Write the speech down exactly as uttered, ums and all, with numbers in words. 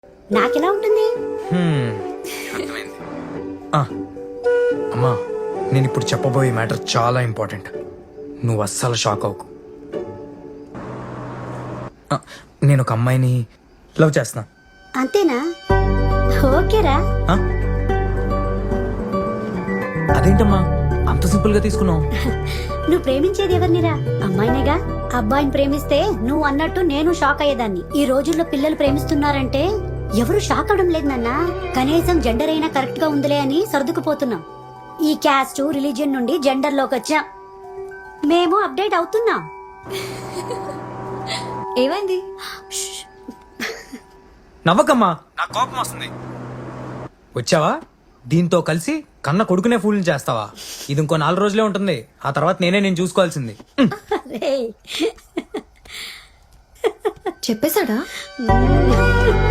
నాకెలా ఉంటుంది? హ్మ్, అర్థమైంది. ఆ, అమ్మా నేను ఇప్పుడు చెప్పబోయే మ్యాటర్ చాలా ఇంపార్టెంట్. నువ్వు అస్సలు షాక్ అవ్వకు. ఆ, నేను ఒక అమ్మాయిని లవ్ చేస్తున్నా. అంతేనా? ఓకేరా. ఆ? అదేంటమ్మా అంత సింపుల్ గా తీసుకున్నావు? నువ్వు ప్రేమించేది ఎవరినిరా? అమ్మాయినేగా. అబ్బాయిని ప్రేమిస్తే నువ్వు అన్నట్టు నేను షాక్ అయ్యేదాన్ని. ఈ రోజుల్లో పిల్లలు ప్రేమిస్తున్నారంటే ఎవరు షాక్ అవడం లేదు నాన్న. కనీసం జెండర్ అయినా కరెక్ట్ గా ఉందిలే అని సర్దుకుపోతున్నాం. ఈ క్యాస్ట్ రిలీజియన్ నుండి జెండర్ లోకి వచ్చాం. మేము అప్డేట్ అవుతున్నాం. ఏమైంది? నవ్వకమ్మా, నా కోపం వస్తుంది. వచ్చావా దీంతో కలిసి కన్న కొడుకునే ఫూల్ చేస్తావా? ఇది ఇంకో నాలుగు రోజులే ఉంటుంది. ఆ తర్వాత నేనే నేను చూసుకోవాల్సింది. రేయ్. చెప్పేశాడా? మ్మ్.